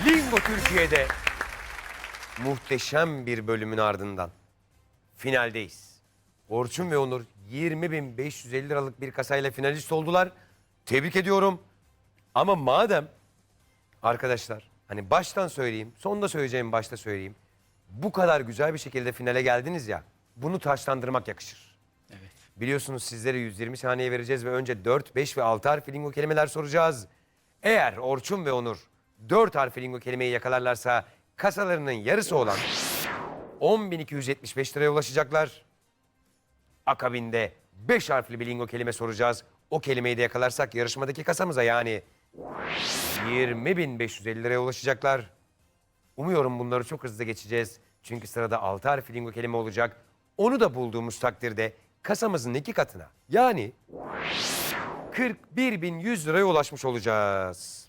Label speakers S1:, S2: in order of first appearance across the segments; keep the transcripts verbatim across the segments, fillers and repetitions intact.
S1: Lingo Türkiye'de muhteşem bir bölümün ardından finaldeyiz. Orçun ve Onur yirmi bin beş yüz elli liralık bir kasayla finalist oldular. Tebrik ediyorum. Ama madem arkadaşlar hani baştan söyleyeyim, sonunda söyleyeceğim başta söyleyeyim. Bu kadar güzel bir şekilde finale geldiniz ya, bunu taşlandırmak yakışır.
S2: Evet.
S1: Biliyorsunuz sizlere yüz yirmi saniye vereceğiz ve önce dört, beş ve altı harfli lingo kelimeler soracağız. Eğer Orçun ve Onur dört harfli lingo kelimeyi yakalarlarsa kasalarının yarısı olan on bin iki yüz yetmiş beş liraya ulaşacaklar. Akabinde beş harfli bir lingo kelime soracağız. O kelimeyi de yakalarsak yarışmadaki kasamıza yani yirmi bin beş yüz elli liraya ulaşacaklar. Umuyorum bunları çok hızlı geçeceğiz. Çünkü sırada altı harfli lingo kelime olacak. Onu da bulduğumuz takdirde kasamızın iki katına yani kırk bir bin yüz liraya ulaşmış olacağız.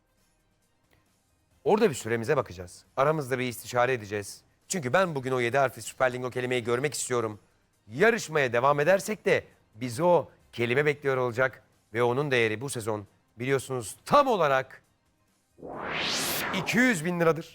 S1: Orada bir süremize bakacağız. Aramızda bir istişare edeceğiz. Çünkü ben bugün o yedi harfli süper lingo kelimeyi görmek istiyorum. Yarışmaya devam edersek de bizi o kelime bekliyor olacak. Ve onun değeri bu sezon biliyorsunuz tam olarak iki yüz bin liradır.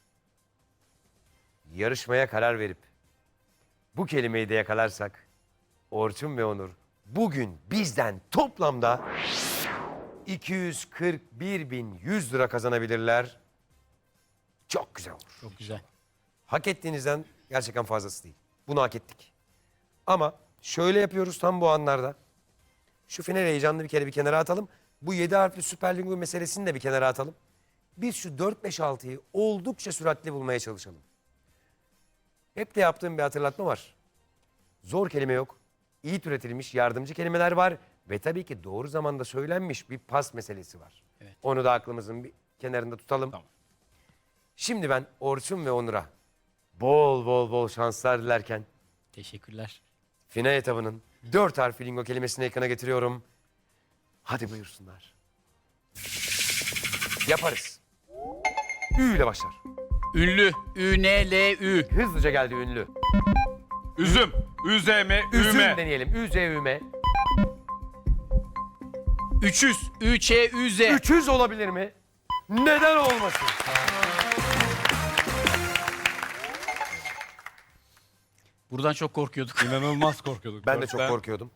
S1: Yarışmaya karar verip bu kelimeyi de yakalarsak Orçun ve Onur bugün bizden toplamda iki yüz kırk bir bin yüz lira kazanabilirler. Çok güzel olur.
S2: Çok güzel.
S1: Hak ettiğinizden gerçekten fazlası değil. Bunu hak ettik. Ama şöyle yapıyoruz tam bu anlarda. Şu final heyecanını bir kere bir kenara atalım. Bu yedi harfli süper lingo meselesini de bir kenara atalım. Biz şu dört, beş, altıyı oldukça süratli bulmaya çalışalım. Hep de yaptığım bir hatırlatma var. Zor kelime yok. İyi türetilmiş yardımcı kelimeler var. Ve tabii ki doğru zamanda söylenmiş bir pas meselesi var.
S2: Evet.
S1: Onu da aklımızın bir kenarında tutalım.
S2: Tamam.
S1: Şimdi ben Orçun ve Onur'a bol bol bol şanslar dilerken
S2: Teşekkürler.
S1: final etabının dört harfli lingo kelimesini ekrana getiriyorum. Hadi buyursunlar. Yaparız. Ü ile başlar.
S2: Ünlü. Ü N L Ü.
S1: Hızlıca geldi ünlü.
S3: Üzüm. Üzeme.
S1: Üzüm
S3: Üme.
S1: deneyelim. Ü Z üme.
S2: Üçüz. Ü Ç Ü Z.
S1: Üçüz olabilir mi? Neden olmasın?
S2: Buradan çok korkuyorduk.
S3: İnanılmaz korkuyorduk.
S1: Ben de çok
S3: Dörtten.
S1: korkuyordum.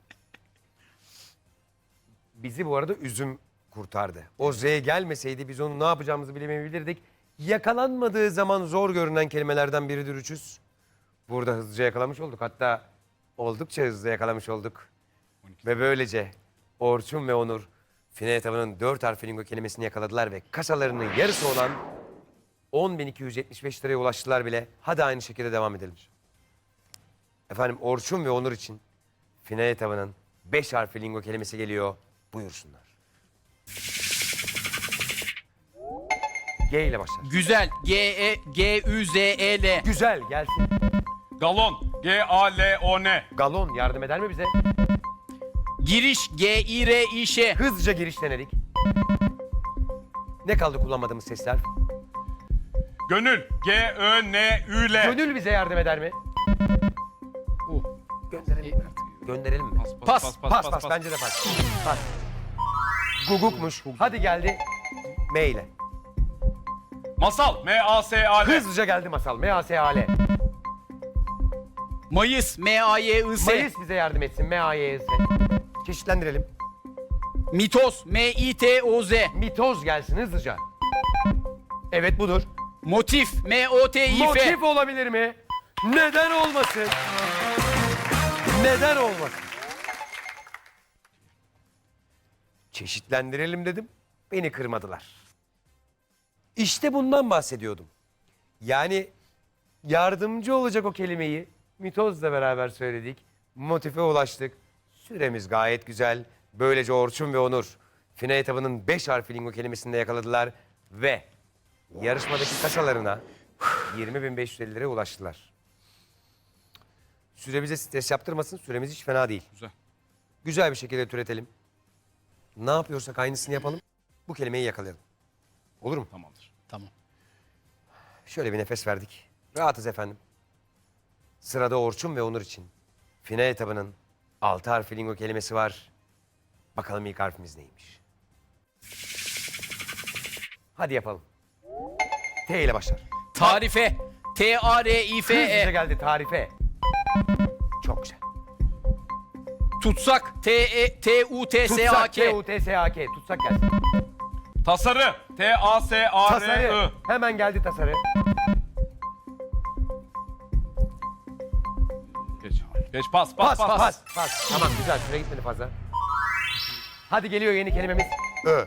S1: Bizi bu arada üzüm kurtardı. O Z gelmeseydi biz onu ne yapacağımızı bilemeyebilirdik. Yakalanmadığı zaman zor görünen kelimelerden biridir üçüz. Burada hızlıca yakalamış olduk. Hatta oldukça hızlı yakalamış olduk. Ve böylece Orçun ve Onur final etabının dört harfli lingo kelimesini yakaladılar ve kasalarının yarısı olan on bin iki yüz yetmiş beş liraya ulaştılar bile. Hadi aynı şekilde devam edelim. Efendim Orçun ve Onur için final etabının beş harfli lingo kelimesi geliyor. Buyursunlar. G ile başlar.
S2: Güzel. G E G Ü Z E L.
S1: Güzel gelsin.
S3: Galon. G A L O N.
S1: Galon yardım eder mi bize?
S2: Giriş. G İ R İ Ş.
S1: Hızlıca giriş denedik. Ne kaldı kullanmadığımız sesler?
S3: Gönül. G Ö N Ü L.
S1: Gönül bize yardım eder mi?
S2: U.
S1: Gönderelim mi artık? Gönderelim mi?
S2: Pas.
S1: Pas pas, bence de pas. Pas. Gugukmuş. Hadi geldi. M ile.
S3: Masal. M A S A L.
S1: Hızlıca geldi masal. M A S A L.
S2: Mayıs. M A Y I S.
S1: Mayıs bize yardım etsin. M A Y S. Çeşitlendirelim.
S2: Mitoz. M İ T O Z.
S1: Mitoz gelsin hızlıca. Evet budur.
S2: Motif. M O T İ F.
S1: Motif olabilir mi? Neden olmasın? Neden olmasın? Çeşitlendirelim dedim. Beni kırmadılar. İşte bundan bahsediyordum. Yani yardımcı olacak o kelimeyi mitozla beraber söyledik. Motife ulaştık. Süremiz gayet güzel. Böylece Orçun ve Onur final etabının beş harfli lingo kelimesini de yakaladılar ve yarışmadaki kasalarına yirmi bin beş yüz elli liraya ulaştılar. Süre bize stres yaptırmasın. Süremiz hiç fena değil.
S3: Güzel.
S1: Güzel bir şekilde türetelim. Ne yapıyorsak aynısını yapalım. Bu kelimeyi yakalayalım. Olur mu?
S3: Tamamdır.
S2: Tamam.
S1: Şöyle bir nefes verdik. Rahatız efendim. Sırada Orçun ve Onur için final etabının altı harfli lingo kelimesi var. Bakalım ilk harfimiz neymiş? Hadi yapalım. T ile başlar.
S2: Tarife. T A R I F
S1: Hızlıca
S2: E.
S1: geldi tarife. Çok güzel.
S2: Tutsak. T E T U T S A
S1: Tutsak, T
S2: K.
S1: U T S A K. Tutsak gelsin.
S3: Tasarı. T A S A R
S1: Tasarı.
S3: I.
S1: Hemen geldi tasarı.
S3: Geç. Geç pas
S1: Pas,
S3: pas pas.
S1: pas, pas. Tamam güzel, süre gitmedi fazla. Hadi geliyor yeni kelimemiz. Ö.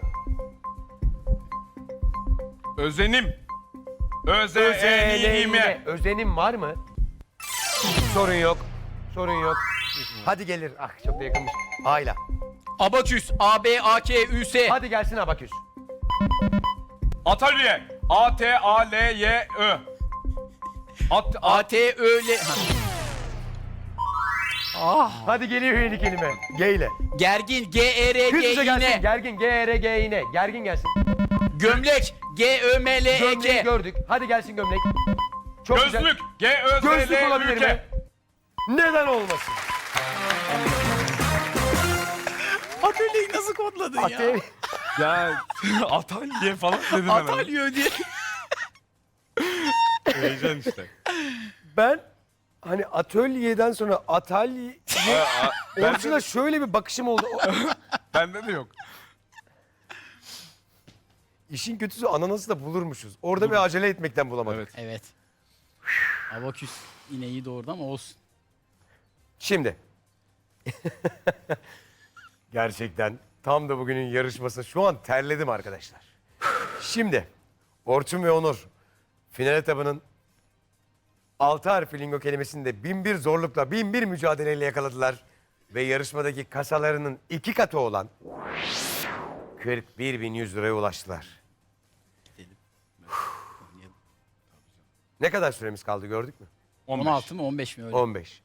S3: Özenim. Öze
S1: Özenime. Özenim var mı? Sorun yok. Sorun yok. Hadi gelir. Ah çok da yakınmış. Ayla.
S2: Abaküs. A B A K Ü S.
S1: Hadi gelsin abaküs.
S3: Atölye. A T A L Y Ö. At,
S2: A
S3: at,
S2: T Ö L.
S1: Hadi geliyor yeni kelime. G ile.
S2: Gergin. G E R G
S1: Hızlıca
S2: İ
S1: gelsin.
S2: N.
S1: Gergin. G R G İ N. Gergin gelsin.
S2: Gömlek. G Ö M L E
S1: Gömleği
S2: K.
S1: gördük. Hadi gelsin gömlek. Çok güzel.
S3: gözlük. G Ö Z
S1: Gözlük
S3: L
S1: olabilir
S3: Ü
S1: mi?
S3: K.
S1: Neden olmasın?
S2: Atölyeyi nasıl kodladın ya?
S1: Ate-
S3: Ya atölye falan dedin hemen.
S2: Atölye diye.
S3: Heyecan işte.
S1: Ben hani atölyeden sonra atalye...
S3: Ben
S1: Orçun'a şöyle bir bakışım oldu. O-
S3: Bende de yok.
S1: İşin kötüsü ananası da bulurmuşuz. Orada bir acele etmekten bulamadık.
S3: Evet.
S2: Evet. Abaküs yine iyi doğurdu ama olsun.
S1: Şimdi. Gerçekten tam da bugünün yarışması. Şu an terledim arkadaşlar. Şimdi Orçun ve Onur final etabının altı harfli lingo kelimesini de bin bir zorlukla, bin bir mücadeleyle yakaladılar. Ve yarışmadaki kasalarının iki katı olan kırk bir bin yüz liraya ulaştılar.
S2: Dedim. Oynayalım.
S1: Ne kadar süremiz kaldı gördük mü?
S3: on beş.
S2: on altı mı on beş mi öyle?
S1: on beş.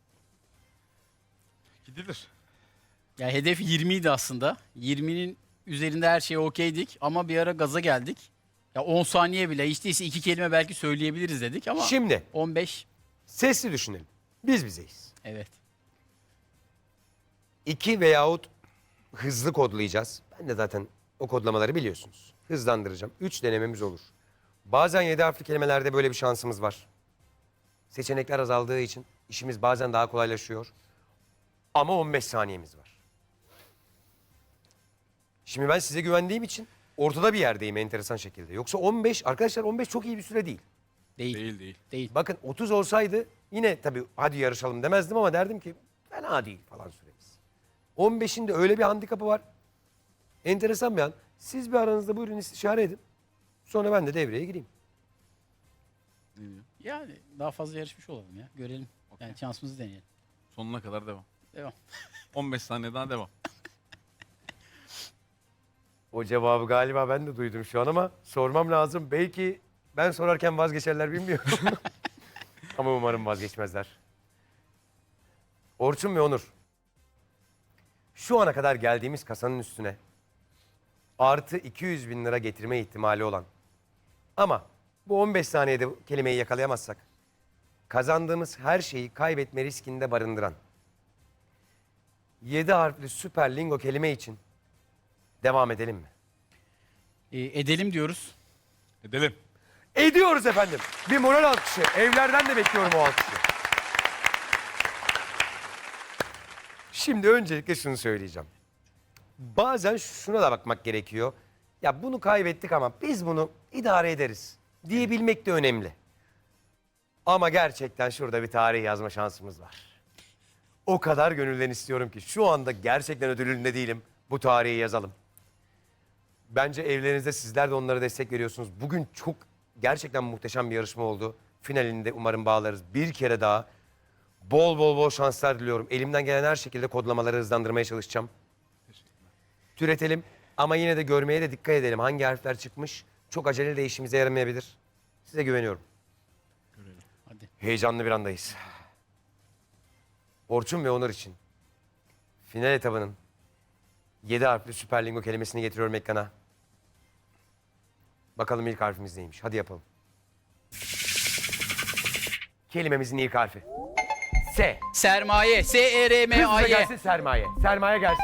S3: Gidilir.
S2: Ya hedef yirmi idi aslında. yirminin üzerinde her şey okeydik ama bir ara gaza geldik. Ya on saniye bile hiç değilse iki kelime belki söyleyebiliriz dedik ama
S1: Şimdi
S2: on beş
S1: sesli düşünelim. Biz bizeyiz.
S2: evet.
S1: İki veyahut hızlı kodlayacağız. Ben de zaten o kodlamaları biliyorsunuz. Hızlandıracağım. Üç denememiz olur. Bazen yedi harfli kelimelerde böyle bir şansımız var. Seçenekler azaldığı için işimiz bazen daha kolaylaşıyor. Ama on beş saniyemiz var. Şimdi ben size güvendiğim için ortada bir yerdeyim enteresan şekilde. Yoksa on beş, arkadaşlar on beş çok iyi bir süre değil.
S2: Değil.
S3: Değil değil.
S2: Değil.
S1: Bakın otuz olsaydı yine tabii hadi yarışalım demezdim ama derdim ki fena değil falan süremiz. on beşin de öyle bir handikapı var. Enteresan bir an. Siz bir aranızda buyurun istişare edin. Sonra ben de devreye gireyim.
S2: Yani daha fazla yarışmış olalım ya. Görelim. Yani şansımızı deneyelim.
S3: Sonuna kadar devam.
S2: Devam.
S3: on beş saniye daha devam.
S1: O cevabı galiba ben de duydum şu an ama sormam lazım. Belki ben sorarken vazgeçerler bilmiyorum. Ama umarım vazgeçmezler. Orçun ve Onur. Şu ana kadar geldiğimiz kasanın üstüne artı iki yüz bin lira getirme ihtimali olan ama bu on beş saniyede bu kelimeyi yakalayamazsak kazandığımız her şeyi kaybetme riskinde barındıran yedi harfli süper lingo kelime için devam edelim mi?
S2: Ee, edelim diyoruz.
S3: Edelim.
S1: Ediyoruz efendim. Bir moral alkışı. Evlerden de bekliyorum o alkışı. Şimdi öncelikle şunu söyleyeceğim. Bazen şuna da bakmak gerekiyor. Ya bunu kaybettik ama biz bunu idare ederiz diyebilmek de önemli. Ama gerçekten şurada bir tarih yazma şansımız var. O kadar gönülden istiyorum ki şu anda gerçekten ödülünde değilim. Bu tarihi yazalım. Bence evlerinizde sizler de onlara destek veriyorsunuz. Bugün çok gerçekten muhteşem bir yarışma oldu. Finalinde umarım bağlarız. Bir kere daha bol bol bol şanslar diliyorum. Elimden gelen her şekilde kodlamaları hızlandırmaya çalışacağım. Türetelim ama yine de görmeye de dikkat edelim. Hangi harfler çıkmış? Çok acele de işimize yaramayabilir. Size güveniyorum.
S2: Hadi.
S1: Heyecanlı bir andayız. Orçun ve Onur için final etabının yedi harfli süper lingo kelimesini getiriyorum ekrana. Bakalım ilk harfimiz neymiş? Hadi yapalım. Kelimemizin ilk harfi. S.
S2: Sermaye. S E R M A
S1: Hızlıca
S2: Y.
S1: gelsin sermaye. Sermaye gelsin.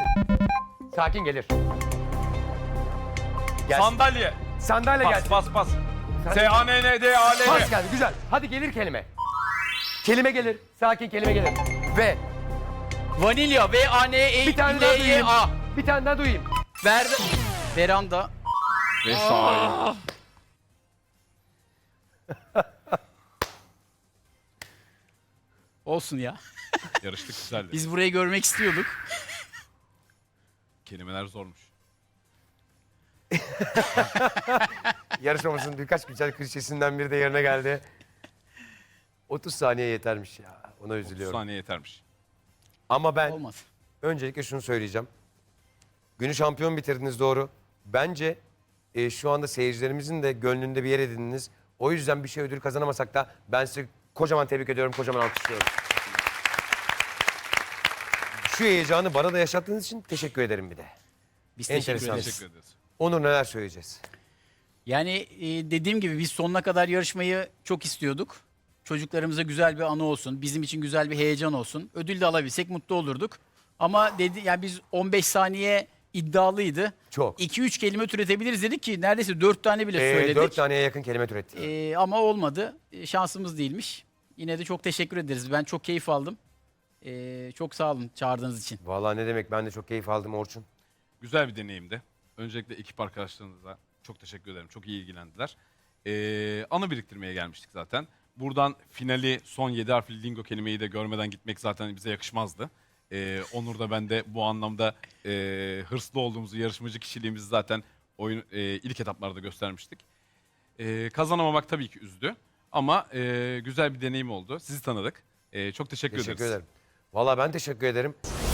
S1: Sakin gelir. Gelsin.
S3: Sandalye.
S1: Sandalye
S3: Pas
S1: gelsin.
S3: pas pas. S A N N D A L
S1: Pas
S3: L.
S1: geldi güzel. Hadi gelir kelime. Kelime gelir. Sakin kelime gelir. Ve
S2: Vanilya. V A N E
S1: bir tane daha
S2: L Y
S1: duyayım.
S2: A.
S1: Bir tane daha duyayım.
S2: Ver. Veranda.
S3: Vesai.
S2: Olsun ya.
S3: Yarıştık güzeldi.
S2: Biz burayı görmek istiyorduk.
S3: Kelimeler zormuş.
S1: Yarışmamızın birkaç güzel klişesinden biri de yerine geldi. otuz saniye yetermiş ya. Ona
S3: otuz
S1: üzülüyorum.
S3: saniye yetermiş.
S1: Ama ben
S2: Olmaz.
S1: öncelikle şunu söyleyeceğim. Günü şampiyon bitirdiniz doğru. Bence e, şu anda seyircilerimizin de gönlünde bir yer edindiniz. O yüzden bir şey ödül kazanamasak da ben sizi kocaman tebrik ediyorum, kocaman alkışlıyorum. Şu heyecanı bana da yaşattığınız için teşekkür ederim bir de.
S2: Biz teşekkür
S1: Enteresan.
S2: ederiz.
S3: Teşekkür ederiz.
S1: Onur neler söyleyeceğiz?
S2: Yani e, dediğim gibi biz sonuna kadar yarışmayı çok istiyorduk. Çocuklarımıza güzel bir anı olsun, bizim için güzel bir heyecan olsun. Ödül de alabilsek mutlu olurduk. Ama dedi yani biz on beş saniye iddialıydı.
S1: Çok.
S2: iki üç kelime türetebiliriz dedik ki neredeyse dört tane bile
S1: Ee,
S2: söyledik.
S1: dört taneye yakın kelime türetti.
S2: Ee, ama olmadı. Ee, şansımız değilmiş. Yine de çok teşekkür ederiz. Ben çok keyif aldım. Ee, çok sağ olun çağırdığınız için.
S1: Vallahi ne demek, ben de çok keyif aldım Orçun.
S3: Güzel bir deneyimdi. Öncelikle ekip arkadaşlarınıza çok teşekkür ederim. Çok iyi ilgilendiler. Ee, anı biriktirmeye gelmiştik zaten. Buradan finali, son yedi harfli lingo kelimeyi de görmeden gitmek zaten bize yakışmazdı. Ee, Onur da ben de bu anlamda e, hırslı olduğumuzu, yarışmacı kişiliğimizi zaten oyun e, ilk etaplarda göstermiştik. E, kazanamamak tabii ki üzdü. Ama e, güzel bir deneyim oldu. Sizi tanıdık. E, çok teşekkür,
S1: Teşekkür
S3: ederiz.
S1: ederim. Vallahi ben teşekkür ederim.